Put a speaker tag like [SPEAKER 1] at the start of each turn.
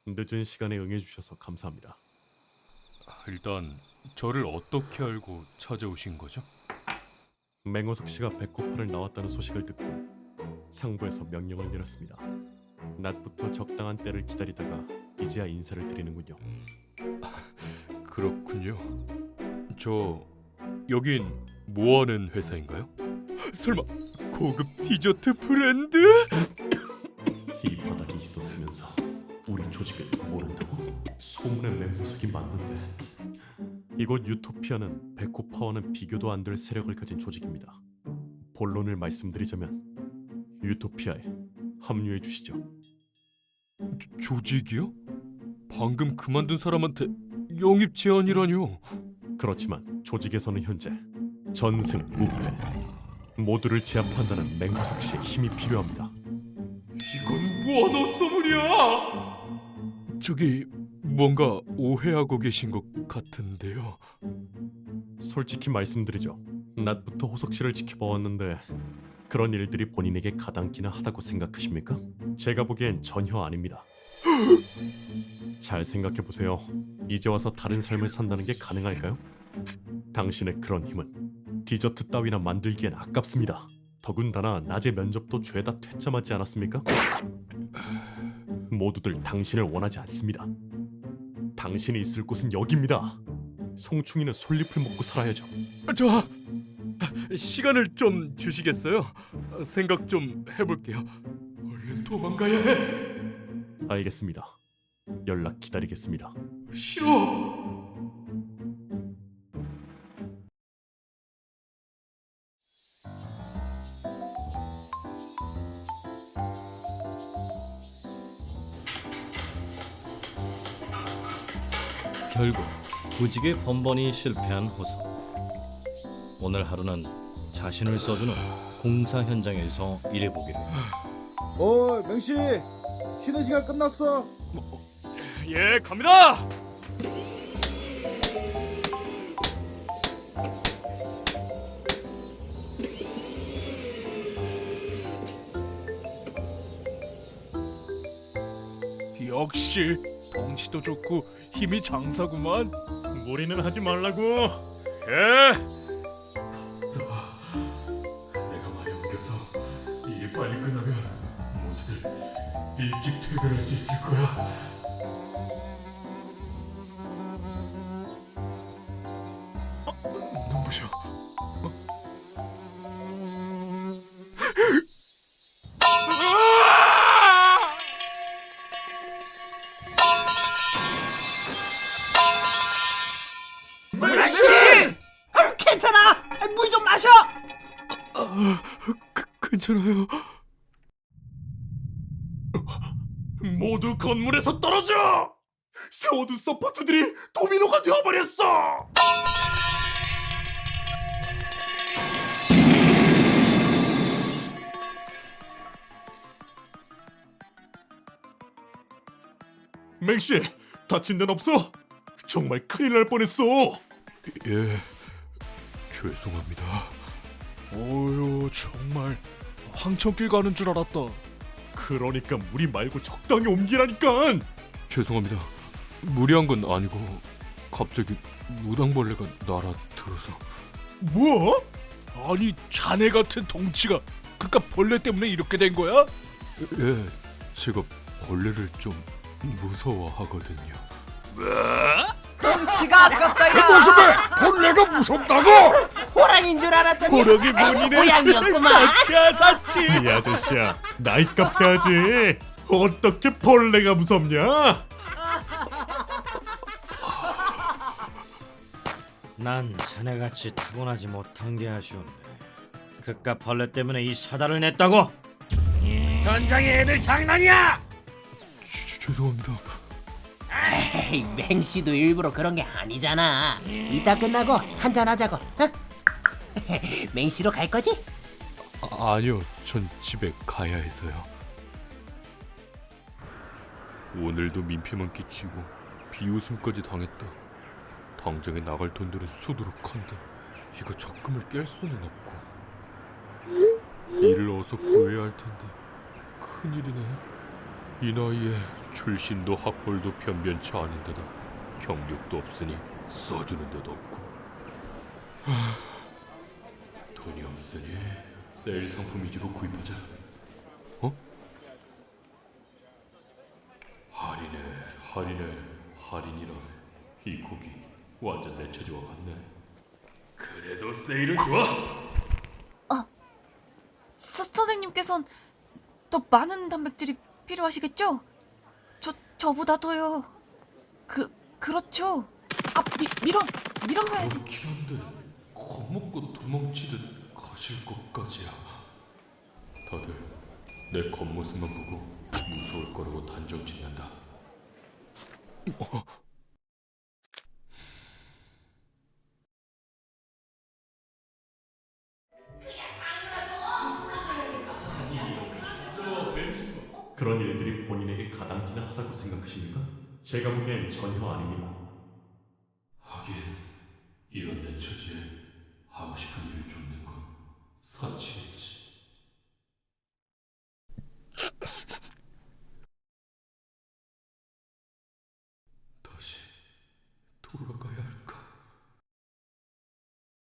[SPEAKER 1] 늦은 시간에 응해주셔서 감사합니다.
[SPEAKER 2] 일단 저를 어떻게 알고 찾아오신 거죠?
[SPEAKER 1] 맹호석 씨가 백호파를 나왔다는 소식을 듣고 상부에서 명령을 내렸습니다. 낮부터 적당한 때를 기다리다가 이제야 인사를 드리는군요.
[SPEAKER 2] 그렇군요. 저 여긴 뭐하는 회사인가요? 설마 고급 디저트 브랜드?
[SPEAKER 1] 이 바닥이 있었으면서 우리 조직을 모른다고? 소문의 맹호석이 맞는데. 이곳 유토피아는 백호파와는 비교도 안 될 세력을 가진 조직입니다. 본론을 말씀드리자면 유토피아에 합류해 주시죠.
[SPEAKER 2] 조직이요? 방금 그만둔 사람한테 영입 제안이라뇨.
[SPEAKER 1] 그렇지만 조직에서는 현재 전승, 무패 모두를 제압한다는 맹호석 씨의 힘이 필요합니다.
[SPEAKER 2] 이건 뭐하노 소문이야? 저기 뭔가 오해하고 계신 것 같은데요.
[SPEAKER 1] 솔직히 말씀드리죠. 낮부터 호석 씨를 지켜봐왔는데 그런 일들이 본인에게 가당키나 하다고 생각하십니까? 제가 보기엔 전혀 아닙니다. 잘 생각해보세요. 이제 와서 다른 삶을 산다는 게 가능할까요? 당신의 그런 힘은 디저트 따위나 만들기엔 아깝습니다. 더군다나 낮에 면접도 죄다 퇴짜 맞지 않았습니까? 모두들 당신을 원하지 않습니다. 당신이 있을 곳은 여기입니다. 송충이는 솔잎을 먹고 살아야죠.
[SPEAKER 2] 저 시간을 좀 주시겠어요? 생각 좀 해볼게요. 얼른 도망가야 해.
[SPEAKER 1] 알겠습니다. 연락 기다리겠습니다.
[SPEAKER 2] 싫어.
[SPEAKER 3] 결국 구직에 번번이 실패한 호석. 오늘 하루는 자신을 써주는 공사 현장에서 일해보기로.
[SPEAKER 4] 맹씨, 쉬는 시간 끝났어.
[SPEAKER 2] 예, 갑니다.
[SPEAKER 5] 역시 덩치도 좋고 힘이 장사구만.
[SPEAKER 2] 무리는 하지 말라고. 예. 내가 많이 옮겨서 일이 빨리 끝나면 모두들 일찍 퇴근할 수 있을 거야. 눈부셔.
[SPEAKER 6] 괜찮아. 물 좀 마셔.
[SPEAKER 2] 괜찮아요.
[SPEAKER 1] 모두 건물에서 떨어져! 세워둔 서포트들이 도미노가 되어버렸어! 맹씨, 다친 데는 없어? 정말 큰일 날 뻔했어!
[SPEAKER 2] 예, 죄송합니다.
[SPEAKER 5] 오유, 정말 황천길 가는 줄 알았다.
[SPEAKER 1] 그러니까 무리 말고 적당히 옮기라니까!
[SPEAKER 2] 죄송합니다. 무리한 건 아니고 갑자기 무당벌레가 날아들어서.
[SPEAKER 1] 뭐?
[SPEAKER 5] 아니, 자네 같은 덩치가 그깟 벌레 때문에 이렇게 된 거야?
[SPEAKER 2] 예, 제가 벌레를 좀 무서워하거든요.
[SPEAKER 6] 덩치가 아깝다야.
[SPEAKER 4] 무슨 말? 벌레가 무섭다고?
[SPEAKER 6] 호랑인 줄 알았더니
[SPEAKER 5] 호랑이 문이네.
[SPEAKER 6] 고양이였구만.
[SPEAKER 5] 사치야, 사치.
[SPEAKER 1] 이 아저씨야, 나이값 해야지. 어떻게 벌레가 무섭냐?
[SPEAKER 3] 난 자네같이 타고나지 못한 게 아쉬운데 그깟 벌레 때문에 이 사달을 냈다고? 현장에 애들 장난이야!
[SPEAKER 2] 죄송합니다.
[SPEAKER 6] 에이, 맹씨도 일부러 그런 게 아니잖아. 이따 끝나고 한잔 하자고. 어? 맹씨로 갈 거지?
[SPEAKER 2] 아니요, 전 집에 가야 해서요. 오늘도 민폐만 끼치고 비웃음까지 당했다. 당장에 나갈 돈들은 수두룩한데 이거 적금을 깰 수는 없고 일을 어서 구해야 할 텐데 큰일이네. 이 나이에 출신도 학벌도 변변치 않은데다 경력도 없으니 써주는 데도 없고. 돈이 없으니 세일 상품 위주로 구입하자. 어? 할인이라. 이 고기 완전 내 체조와 같네. 그래도 세일은 좋아.
[SPEAKER 7] 선생님께선 더 많은 단백질이 필요하시겠죠? 저보다도요. 그렇죠. 미렁 사야지.
[SPEAKER 2] 그렇긴 한데 겁먹고 도망치듯 가실 것까지야. 다들 내 겉모습만 보고 무서울 거라고 단정 짓는다.
[SPEAKER 1] 그런 일들이 본인에게 가당키나 하다고 생각하십니까? 제가 보기엔 전혀 아닙니다.
[SPEAKER 2] 하긴 이런 내 처지에 하고 싶은 일을 줍는 건 사치겠지.